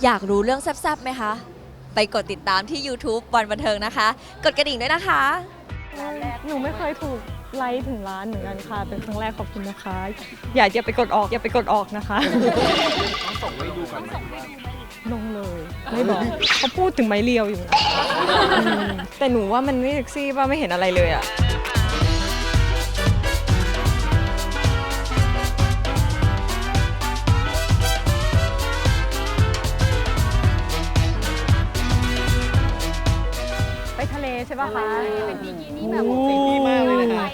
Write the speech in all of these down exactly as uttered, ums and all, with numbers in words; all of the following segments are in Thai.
อยากรู้เรื่องแซ่บๆไหมคะไปกดติดตามที่ YouTube วันบันเทิงนะคะกดกระดิ่งด้วยนะคะหนูไม่เคยถูกไลค์ถึงล้านเหมือนกันค่ะเป็นครั้งแรกขอบคุณนะคะ อย่าอย่าไปกดออกอย่าไปกดออกนะคะต้องส่งให้ดูก่อนไหมว่าลงเลยไม่บอกเขาพูดถึงไม้เรียวอยู่นะอืมแต่หนูว่ามันไม่เซ็กซี่ป่ะไม่เห็นอะไรเลยอะไปทะเลใช่ป่ะคะเป็นบิกินี่แบบเซ็กซี่มากเลยนะคะ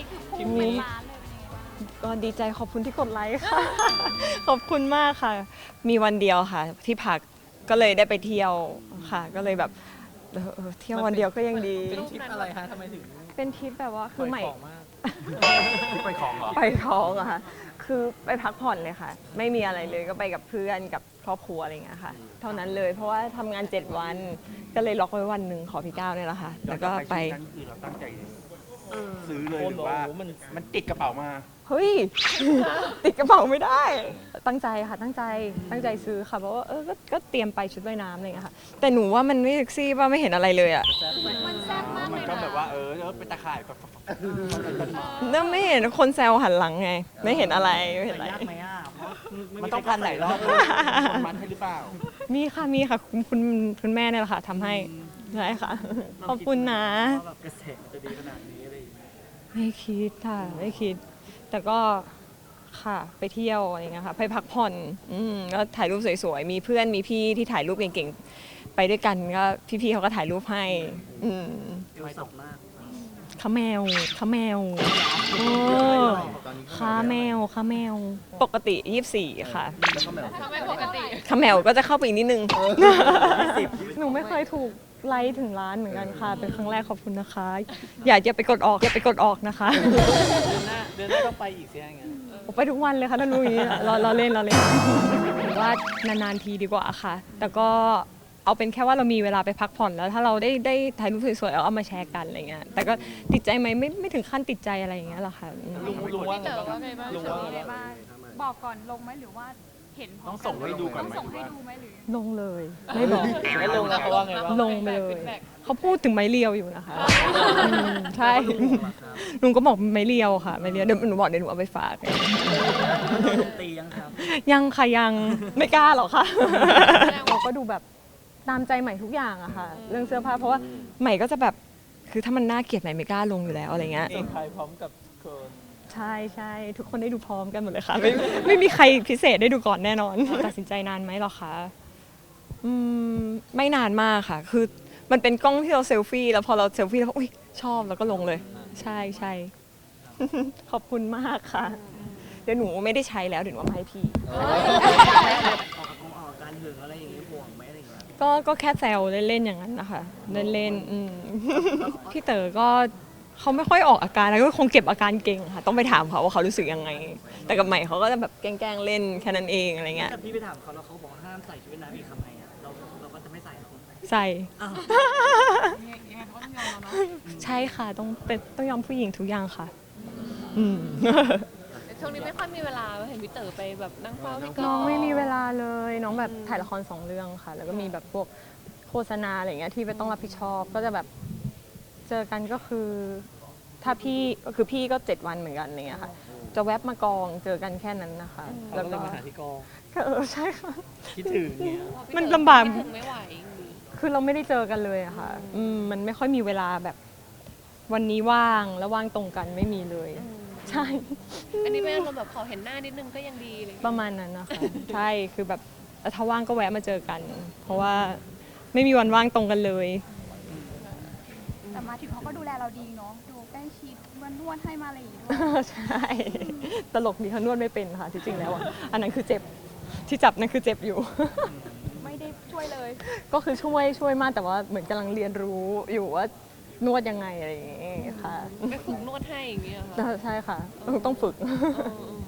ก็ดีใจขอบคุณที่กดไลค์ค่ะ ขอบคุณมากค่ะ มีวันเดียวค่ะ ที่พักก็เลยได้ไปเที่ยวค่ะ ก็เลยแบบเออเออเที่ยววันเดียวก็ยังดีเป็นทริปอะไรคะทำไมถึงเป็นทริปแบบว่าคือใหม่ของมากที่ไปของเหรอไปท้องอะค่ะ คือไปพักผ่อนเลยค่ะ ไม่มีอะไรเลยก็ไปกับเพื่อนกับครอบครัวอะไรอย่างเงี้ยค่ะ เท่านั้นเลยเพราะว่าทำงานเจ็ดวันก็เลยล็อกไว้วันหนึ่งขอพี่ก้าวเนี่ยแหละค่ะแล้วก็ไปนั่นคือเราตั้งใจซื้อเลยหรือว่ามันติดกระเป๋ามาเฮ้ย ติดกระเป๋าไม่ได้ ตั้งใจค่ะตั้งใจตั้งใจซื้อค่ะเพราะว่าเออก็ก็เตรียมไปชุดว่ายน้ำอะไรอย่างเงี้ยค่ะแต่หนูว่ามันไม่เซ็กซี่ป่ะไม่เห็นอะไรเลยอะมันแซ่บมากเลมันยก็นะแบบว่าเออเป็นตะข่ายแบบนั่นไม่เห็นคนแซวหันหลังไง ไม่เห็นอะไรไม่เห็นอะไรยากไหมอ่ะเพราะมันต้องพันหลายรอบเลยคนมันให้หรือเปล่ามีค่ะมีค่ะคุณคุณคุณแม่เนี่ยแหละค่ะทำให้ใช่ค่ะ ขอบคุณนะว่าแบบกระแสมันจะดีขนาดนี้อะไรอย่างเงี้ยไม่คิดค่ะไม่คิด แต่ก็ค่ะไปเที่ยวอะไรเงี้ยค่ะไปพักผ่อนอืมก็ถ่ายรูปสวยๆมีเพื่อนมีพี่ที่ถ่ายรูปเก่งๆไปด้วยกันก็พี่ๆเขาก็ถ่ายรูปให้อืมเอวสองมากข้าแมวข้าแมวโอ้ข้าแมวข้าแมวปกติยี่สิบสี่ค่ะทำไมปกติข้าแมวก็จะเข้าไปอีกนิดนึงหนูไม่เคยถูกไลค์ถึงล้านเหมือนกันค่ะเป็นครั้งแรกขอบคุณนะคะ อย่าอย่าไปกดออกอย่าไปกดออกนะคะเดือนหน้าเดือนหน้าต้องไปอีกเสียอย่างเงี้ยผมไปทุกวันเลยค่ะถ้ารู้อย่างนี้เราเราเล่นเราเล่นว่านานๆทีดีกว่าค่ะ แต่ก็เอาเป็นแค่ว่าเรามีเวลาไปพักผ่อนแล้วถ้าเราได้ได้ถ่ายรูปสวยๆเอาเอามาแชร์กันอะไรเงี้ยแต่ก็ติดใจไหมไม่ไม่ถึงขั้นติดใจอะไรอย่างเงี้ยหรอกค่ะอืมลุงลุงว่าไงเต๋อบ้างว่าไงบ้างลุงว่าไงบ้างบอกก่อนลงไหมหรือว่าเห็นพร้ต้ออมงส่งให้ดูก่อนต้องไหมส่งให้ดูไหมหรือลงเลยไม่บอกแล้วลงแล้วเขาว่าไงบ้างลงไปเลยเขาพูดถึงไม้เรียวอยู่นะคะอืมใช่ลุงก็บอกไม้เรียวค่ะไม้เรียวเดี๋ยวหนูบอกเดี๋ยวหนูเอาไปฝากตียังครับยังค่ะยังไม่กล้าหรอกค่ะ เราก็ดูแบบตามใจใหม่ทุกอย่างอะค่ะ เรื่องเสื้อผ้าเพราะว่าใหม่ก็จะแบบคือถ้ามันน่าเกลียดใหม่ไม่กล้าลงอยู่แล้วอะไรเงี้ยเองใครพร้อมกับคนใช่ใช่ทุกคนได้ดูพร้อมกันหมดเลยค่ะ ไม่ไม่มีใครพิเศษได้ดูก่อนแน่นอน ตัดสินใจนานไหมหรอคะอืมไม่นานมากค่ะ คือมันเป็นกล้องที่เราเซลฟี่แล้วพอเราเซลฟี่แล้วอุ้ยชอบแล้วก็ลงเลย ใช่ใช่ ขอบคุณมากค่ะ เดี๋ยวหนูไม่ได้ใช้แล้วเดี๋ยวหนูเอามาให้พี่ออกกองออกการหึงอะไรอย่างเงี้ยห่วงไหมอะไรอย่างเงี้ยก็ก็แค่แซวเล่นๆอย่างนั้นนะคะเล่นๆอืม พี่เต๋อก็เขาไม่ค่อยออกอาการแล้วก็คงเก็บอาการเก่งค่ะต้องไปถามเขาว่าเขารู้สึกยังไง แต่กับใหม่เขาก็จะแบบแกล้งๆเล่นแค่นั้นเองอะไรเงี้ยแต่พี่ไปถามเขาแล้วเขาบอกห้ามใส่ชุดว่ายน้ำอีกทำไงอ่ะเราเราก็จะไม่ใส่หรอกใส่อ้าวยังไงเขาก็ต้องยอมเราเนาะใช่ค่ะต้องเป็นต้องยอมผู้หญิงทุกอย่างค่ะ อืมแต่ช่วงนี้ไม่ค่อยมีเวลาเห็นพี่เต๋อไปแบบนั่งเฝ้าพี่กน้องไม่มีเวลาเลยน้องแบบถ่ายละครสองเรื่องค่ะ แล้วก็มีแบบพวกโฆษณาอะไรเงี้ยที่ไปต้องรับผิดชอบก็จะแบบเจอกันก็คือ ถ้าพี่ก็คือพี่ก็เจ็ดวันเหมือนกันอะไรเงี้ยค่ะ จะแวบมากองเจอกันแค่นั้นนะคะเขาแล้วก็เลก็ยมาหาที่กองก็เออใช่ค่ะคิดถึงเนี่ยมันลำบากคิดถึงไม่ไหวคือเราไม่ได้เจอกันเลยอะค่ะอืมมันไม่ค่อยมีเวลาแบบ วันนี้ว่างแล้วว่างตรงกันไม่มีเลย ใช่อันนี้เป็นอารมณ์แบบขอเห็นหน้านิดนึงก็ยังดีเลยประมาณนั้นนะคะ ใช่คือแบบถ้าว่างก็แวะมาเจอกัน เพราะว่าไม่มีวันว่างตรงกันเลยแต่มาถึงเขาก็ดูแลเราดีเนาะ ดูใกล้ชิดมันนวดให้มาอะไรอย่างงี้ด้วยใช่ ตลกดีเขานวดไม่เป็นค่ะที่จริงแล้วอะอันนั้นคือเจ็บที่จับนั่นคือเจ็บอยู่ไม่ได้ช่วยเลยก็คือช่วยช่วยมากแต่ว่าเหมือนกำลังเรียนรู้อยู่ว่านวดยังไงอะไรอย่างเงี้ยค่ะไปฝึกนวดให้อย่างเงี้ยค่ะใช่ค่ะต้องฝึกเออ